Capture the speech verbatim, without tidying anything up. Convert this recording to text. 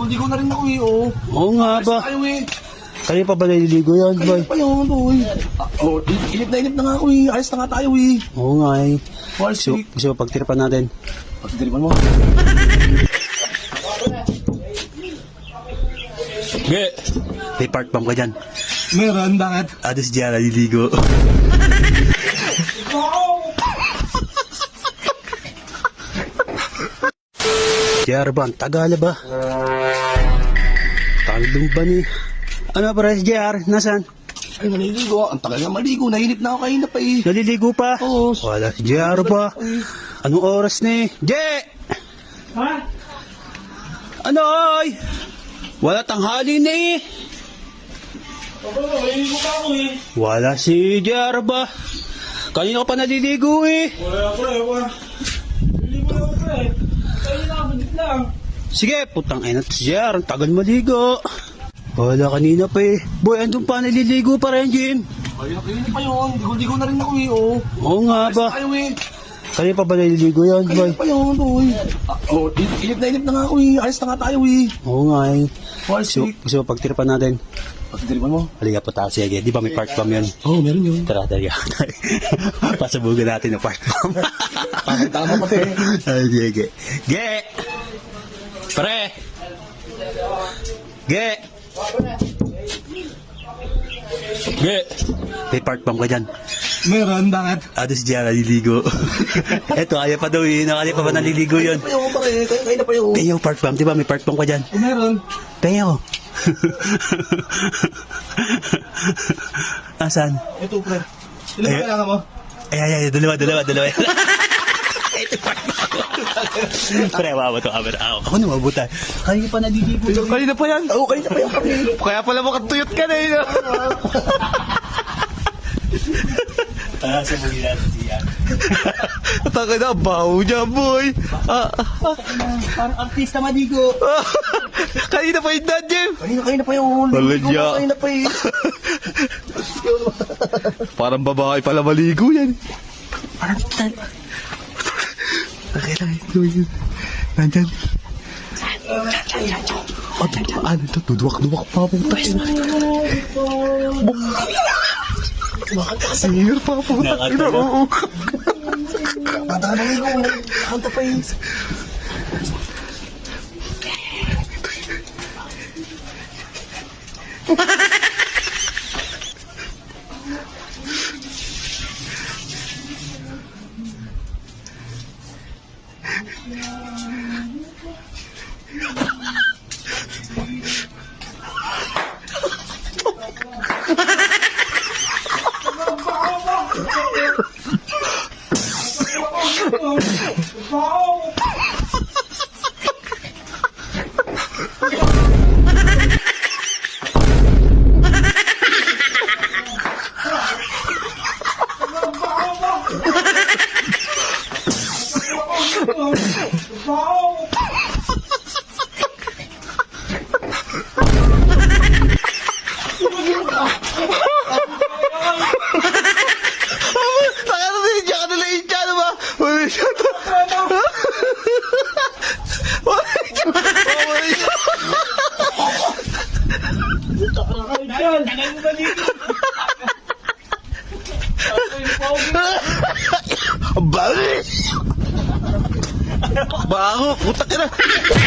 ligo na rin ako eh, oh. Oo nga ba? Tayo eh. Kanina pa ba naliligo yan, boy? Kaya pa yun, boy. Ah, oh, inip na inip na nga ako eh. Ayos na nga tayo eh. Oo nga eh. Well, Gusto, sweet. gusto mo pagtiripan natin? Pagdiripan mo. Ge! May park bomb ka dyan. Meron, bakit? Ados dyan, naliligo. J R ba? Ang Tagala ba? Talong ba ni? Ano ba rin, J R? Nasaan? Ay, naliligo. Ang tagal na maligo. Nainip na ako kanina pa eh. Naliligo pa? Oo. Wala si J R ba? Anong oras ni? J! Ha? Ano oy? Wala tanghali ni. Ako, naliligo pa ako eh. Wala si J R ba? Kanina ka pa naliligo eh. Wala ako eh, wala. Naliligo na ako eh. Kaya nakabunit lang. Sige, putang ina to si J R. Ang tagal maligo. Wala kanina pa eh. Boy, andun pa naliligo pa rin, Jim. Ay, nakinig pa yun. Ligo-ligo na rin ako eh, oh. Oo nga ba? Tayo eh. Kanina pa ba naliligo yan, boy? Kaya pa yun, boy. Ah, oh, inip na inip na nga ako eh. Ayos na nga tayo eh. Oo nga eh. Well, Gusto, sweet. gusto mo pagtiripan natin? Pagdiripan mo. Halika po tayo, sige. Di ba may park bomb yun? Oo, oh, meron yun. Tara, tara. Pasabugan natin ang park bomb. Tama pati. Ay, sige. Ge! Pre! Ge! Ge! May park bomb ka dyan. Meron, bakit? Ados dyan, naliligo. Eto, ayaw pa daw yun. Ayaw pa ba naliligo yun? Kaya pa pare. Kaya kaya na pa yun. Kaya park bomb, di ba? May park bomb ka dyan. Oh, meron. Kaya ko. Asan? Ito, pre. Ilan ba Ay- kailangan mo? Ay, ay, ay, dalawa, dalawa, dalawa. Ito park bomb. Pre, wawa to, aber. Ako, ako na mabuta. Kanina pa naliligo. Kanina pa yan. Oo, kanina pa yan. Kaya pala makatuyot ka na yun. Ah, sa muli natin siya. Taka na, baho niya, boy. Ah, ah, Parang artista maligo. ah. Kanina pa yun, Dad, Jeff. Kanina, kanina pa yung Wala ligo. niya. Kanina pa eh. Parang babae pala maligo yan. Parang tal... Okay lang, ito yun. Nandyan. Oh, ano ito? Duduwak-duwak pa po. Singir pa po. Nakakanta na. Oo. Kanta na maligo. Kanta pa yun. Nakarating siya ka nila yung tiyan, ba? Wala siya to. Wala siya. Wala siya. Ang bangis. Baho, putak ka na.